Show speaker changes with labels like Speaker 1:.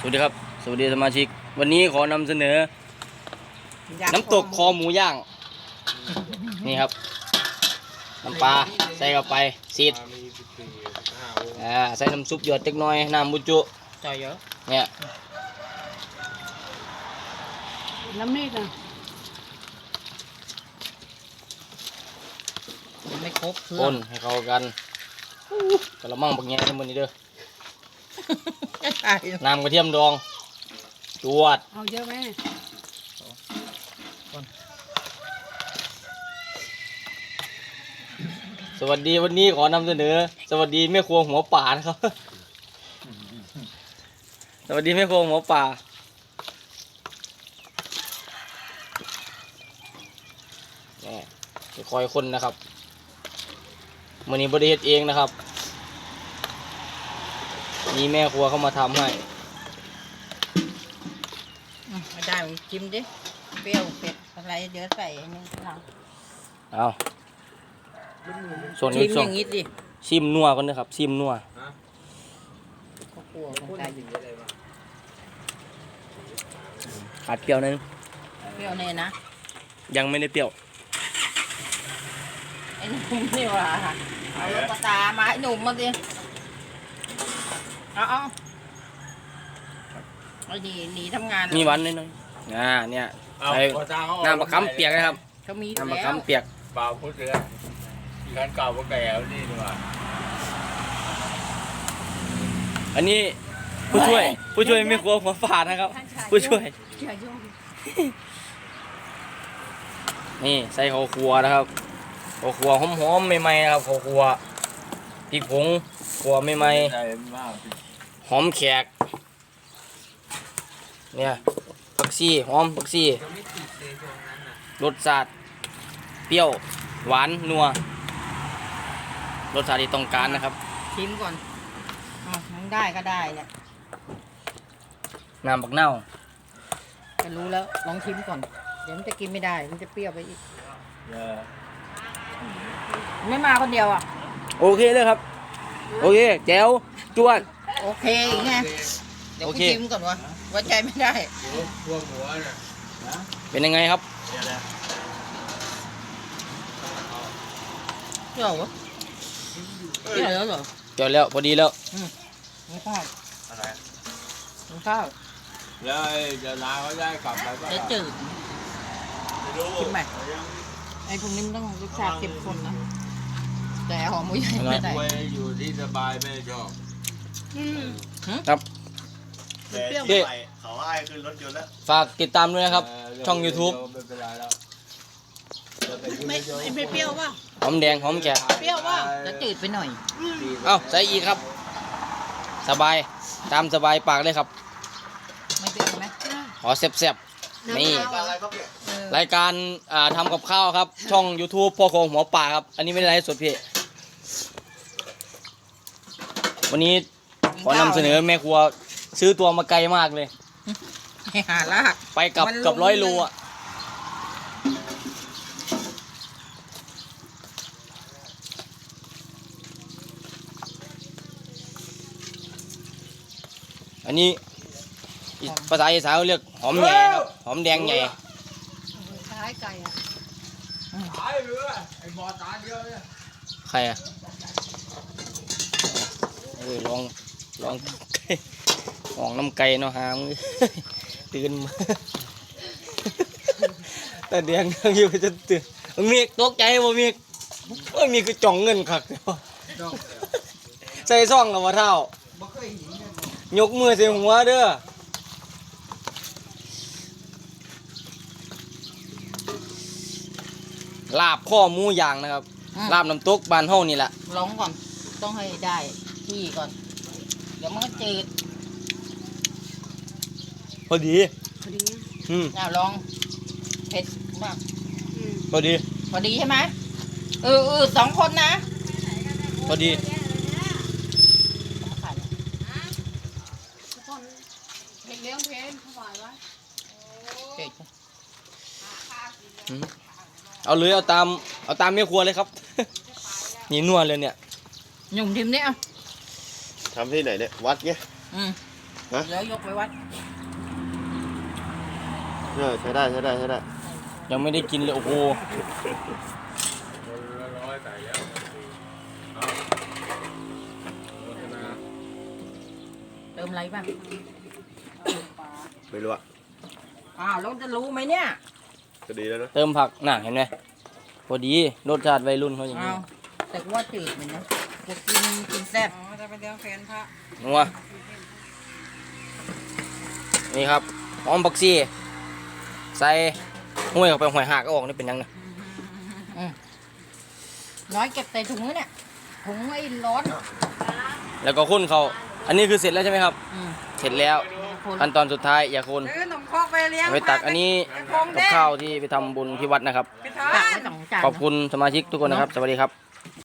Speaker 1: สวัสดีครับสวัสดีสมาชิกวันนี้ขอนำเสนอน้ำตกคอหมูย่างนี่ครับน้ำปลาใส่เข้าไปซีดใส่น้ำซุปหยดเล็กน้อยน้ำบุจุ
Speaker 2: ใส่เยอะ
Speaker 1: เนี่ย
Speaker 3: น้ำมีดอ่ะ
Speaker 2: ไม่ครบเครื่
Speaker 1: ค
Speaker 2: อง
Speaker 1: นให้เข้ากันกระมังบักแง่ทั้งหมดนี้เด้อน้ำกระเทียมดองจวด
Speaker 3: เอาเยอะไหม
Speaker 1: สวัสดีวันนี้ขอนำเสนอสวัสดีแม่ครัวหัวป่านะครับสวัสดีแม่ครัวหัวป่าจะคอยคนนะครับมื้อนี้บริเฮ็ดเองนะครับมีแม่ครัวเข้ามาทำให้
Speaker 2: ไม่ได้ชิมดิเปรี้ยวเผ็ดอะไรเดี๋ยวใส่อันนี้เรา
Speaker 1: เอาส่วน
Speaker 2: ชิ
Speaker 1: นี้
Speaker 2: ม
Speaker 1: ส่
Speaker 2: อ
Speaker 1: วน
Speaker 2: ย่างนี้ดิ
Speaker 1: ชิมนัวกันนะครับชิมนัว
Speaker 2: ก็กลัวคนใจอยู่
Speaker 1: ขาดเปรี้ยวนึง
Speaker 2: เปรี้ยวเนี่ยนะ
Speaker 1: ยังไม่ได้เปรี้ยว
Speaker 2: ไอ้หนุ่มนี่ว่ะเอาลูกตามาให้หนุ่มมาดิเอาเอาดีหนีทำงาน
Speaker 1: มีหวานน้อยๆเนี่ยใส่น้ำมะขามเปียกนะครับ
Speaker 2: เขามี
Speaker 1: น้ำมะ
Speaker 2: แล้ว
Speaker 1: ขามเปียก
Speaker 4: เปล่าพูดเสือการเก่าก็แก่แล้วนี่ดีกว่า
Speaker 1: อันนี้ผู้ช่วยแม่ครัวหัวป่านะครับผู้ช่วยนี่ใส่ข้าวคั่วนะครับข้าวคั่วหอมๆใหม่ๆนะครับข้าวคั่วพริกผงคั่วใหม่
Speaker 4: ใจมาก
Speaker 1: ๆหอมแขกเนี่ยผักชีหอมผักชีรสชาติเปรี้ยวหวานนัวรสชาติที่ต้องการนะครับ
Speaker 2: ชิมก่อนมันได้ก็ได้เนี่ย
Speaker 1: น้ำบักเน่า
Speaker 2: จะรู้แล้วลองชิมก่อนเดี๋ยวมันจะกินไม่ได้มันจะเปรี้ยวไปอีกไม่มาคนเดียวอ่ะ
Speaker 1: โอเคเลยครับโอเคแจ๋วจวด
Speaker 2: โอเคอีกไงเดี๋ยว
Speaker 1: โอ
Speaker 2: กู
Speaker 1: เค
Speaker 2: ชิมก่อนวะไว้ใจไม่ได้
Speaker 4: พวกหัวน่ะ
Speaker 1: เป็นยังไงครับ
Speaker 2: เปรี้ยววะเปรี้ยวแล้วเหรอ
Speaker 1: จอดแล้วพอดีแล้ว
Speaker 2: ไม่ข้าว
Speaker 4: อะไร
Speaker 2: ไม่ข้าว
Speaker 4: แล้วจะลาเขาได้กลับไปก็
Speaker 2: จะจืด
Speaker 4: ไม่รู้
Speaker 2: ชิมไหมไอ้พวกนี้มันต้องรสชาติเข้มข้นนะแต่หอมหมูใหญ่ไม่ได้
Speaker 4: ไว้อยู่ที่สบายไม่ชอบ
Speaker 1: ครับ
Speaker 5: แต่ที่ใหม่เขาให้ขึ้นรถยนต์แล้ว
Speaker 1: ฝากติดตามด้วยนะครับ ช่อง YouTube
Speaker 4: ไม่เป็นไรแล้ว
Speaker 3: ไม่เปรี้ยวป่ะ
Speaker 1: หอมแดงหอมแขก
Speaker 3: เปรี้ยวป่ะ
Speaker 2: จะจืดไปหน่อย
Speaker 1: เอ้าใส่อีกครับ สบายตามสบายปากเลยครับ
Speaker 2: ไม่เปรี้ยวไหม
Speaker 1: ขอแซ่บๆนี่
Speaker 5: อะไรครับเนี่ย
Speaker 1: รายการทำกับข้าวครับ ช่อง YouTube พ่อโคงหัวป่าครับ อันนี้ไม่ได้ไลฟ์สดพี่วันนี้ขอนำเสนอแม่ครัวซื้อตัวมาไกลมากเลย
Speaker 2: ให้หาลาก
Speaker 1: ไปกับ
Speaker 2: มันลง
Speaker 1: กับ100 โลอ่ะอันนี้ภาษาอีสานเขาเรียกหอมใหญ่ครับหอมแดงใหญ่
Speaker 3: คล้ายไก่อ่ะ
Speaker 4: ตายเรือไอ้บอตาเดียวเนี่ย
Speaker 1: ใครอ่ะลองลองน้ำไก่เนาะหามตื่นมาแต่แดงนั่งอยู่จะตื่นมีกตกใจบ่มีกโอ้ยมีคือจ่องเงินคักใส่ซ่องกับว่าเท่า
Speaker 2: บ่เคยเห็นเลย
Speaker 1: ยกมือใส่หัวเด้อลาบข้อหมูย่างนะครับลาบน้ำตกบ้านเฮานี่แหละ
Speaker 2: ลองก่อนต้องให้ได้ที่ก่อนเดี๋ยวมันก็จืด
Speaker 1: พอดี
Speaker 3: พอดี
Speaker 2: ลองเผ็ดมาก
Speaker 1: พอดี
Speaker 2: พอดีใช่ไหม2 คนนะ
Speaker 1: พอดี
Speaker 2: เอามาขายเลย
Speaker 3: ทุกคนเด็กเลี้ยงเพลนถวายไว้
Speaker 2: เผ็ด
Speaker 1: เอาเลยเอาตามแม่ครัวเลยครับ นี่นัวเลยเนี่ย
Speaker 2: หนุ่มทิมเนี่ย
Speaker 5: ทำที่ไหนเนี่ย วัดเงี้ย
Speaker 2: อืมแล้วยกไปวัด
Speaker 5: ใช้ได้
Speaker 1: ยังไม่ได้กินเลยโอ้โห
Speaker 4: คนละร้อยแต่แล้วเอาโฆษณา
Speaker 2: เติมอะไรบ้าง
Speaker 5: ไม่รู้อะ
Speaker 2: อ้าวแล้วจะรู้ไหมเนี่ย
Speaker 5: ก็ดีแล้วนะ
Speaker 1: เติมผักน่ะเห็นไหมพอดีรสชาติวัยรุ่นเขาอย่างนี้
Speaker 2: อ้าวแต่กูว่าจืดเหมือนนะกูกินแซ่บจะไปเลี้ยงแฟนพระ
Speaker 1: นัวนี่ครับหอมผักชีใส่ห้วยเข้าไปหอยหักก็ออกนี่เป็นยังไง
Speaker 2: น้อยเก็บใส่ถุงแล้วเนี่ยถุงไอ้ร้อน
Speaker 1: แล้วก็คนเขาอันนี้คือเสร็จแล้วใช่ไหมครับ เสร็จแล้ว
Speaker 2: คน
Speaker 1: ขั้นตอนสุดท้ายอย่าคน
Speaker 2: ซื้อขนมครกไปเลี้ยง
Speaker 1: ไปตักอันนี้กับข้าวที่ไปทำบุญที่วัดนะครับ
Speaker 2: ตักไว้2 จาน
Speaker 1: ขอบคุณสมาชิกทุกคนนะครับ สวัสดีครับ